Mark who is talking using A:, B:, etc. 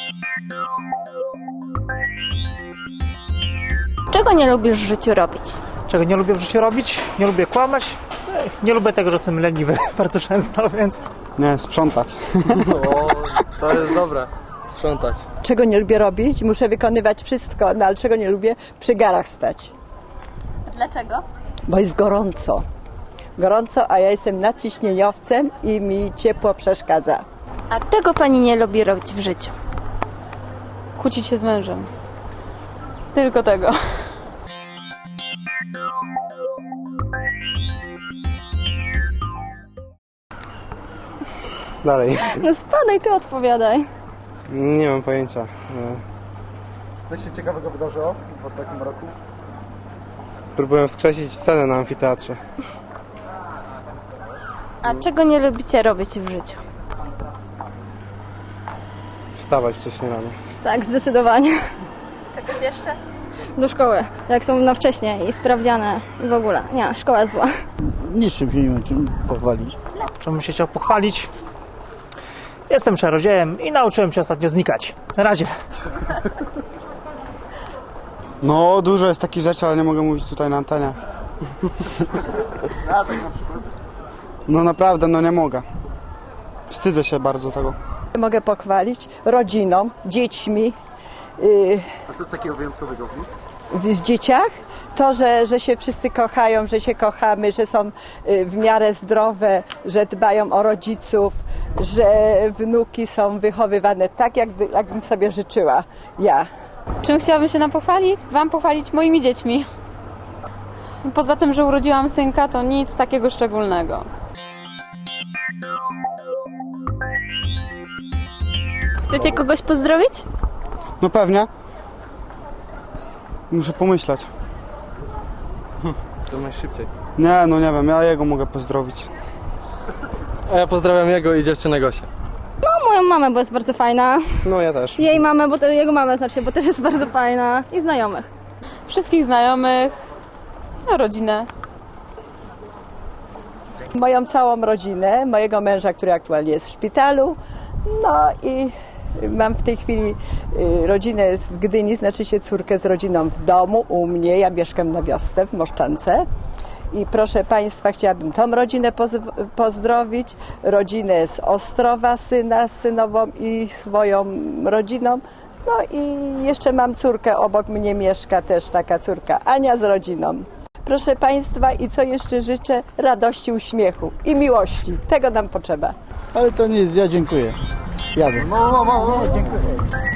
A: Czego nie lubisz w życiu robić?
B: Czego nie lubię w życiu robić? Nie lubię kłamać. Nie lubię tego, że jestem leniwy bardzo często, więc...
C: Nie, sprzątać.
D: O, to jest dobre. Sprzątać.
E: Czego nie lubię robić? Muszę wykonywać wszystko, no ale czego nie lubię? Przy garach stać.
A: Dlaczego?
E: Bo jest gorąco. Gorąco, a ja jestem nadciśnieniowcem i mi ciepło przeszkadza.
A: A czego pani nie lubi robić w życiu?
F: Kłócić się z mężem. Tylko tego.
C: Dalej.
F: No spadaj, ty odpowiadaj.
C: Nie mam pojęcia.
G: Coś się ciekawego wydarzyło w ostatnim roku?
C: Próbuję wskrzesić scenę na amfiteatrze.
A: A czego nie lubicie robić w życiu?
C: Wstawać wcześniej rano.
F: Tak, zdecydowanie.
A: Czegoś jeszcze?
F: Do szkoły. Jak są na wcześnie i sprawdziane i w ogóle. Nie, szkoła jest zła.
H: Niczym się nie ma czym pochwalić.
B: Czemu bym się chciał pochwalić? Jestem czarodziejem i nauczyłem się ostatnio znikać. Na razie.
C: No, dużo jest takich rzeczy, ale nie mogę mówić tutaj na antenie.
G: A tak na przykład.
C: No naprawdę, no nie mogę. Wstydzę się bardzo tego.
E: Mogę pochwalić rodziną, dziećmi,
G: A co jest takiego wyjątkowego w nich?
E: w dzieciach. To, że się wszyscy kochają, że się kochamy, że są w miarę zdrowe, że dbają o rodziców, że wnuki są wychowywane tak, jakbym sobie życzyła ja.
F: Czym chciałabym się Wam pochwalić moimi dziećmi. Poza tym, że urodziłam synka, to nic takiego szczególnego.
A: Chcecie kogoś pozdrowić?
C: No pewnie. Muszę pomyśleć.
D: To masz szybciej.
C: Nie, no nie wiem, ja jego mogę pozdrowić.
D: A ja pozdrawiam jego i dziewczynę Gosię.
F: Moją mamę, bo jest bardzo fajna.
C: No ja też.
F: Jej mamę, jego mamę znaczy, bo też jest bardzo fajna. I znajomych. Wszystkich znajomych. No, rodzinę.
E: Moją całą rodzinę, mojego męża, który aktualnie jest w szpitalu, no i mam w tej chwili rodzinę z Gdyni, znaczy się córkę z rodziną w domu u mnie. Ja mieszkam na wiosce w Moszczance. I proszę Państwa, chciałabym tą rodzinę pozdrowić, rodzinę z Ostrowa, syna z synową i swoją rodziną. No i jeszcze mam córkę, obok mnie mieszka też taka córka, Ania z rodziną. Proszę Państwa, i co jeszcze życzę? Radości, uśmiechu i miłości. Tego nam potrzeba.
H: Ale to nic, ja dziękuję. Jadę.
G: No, dziękuję.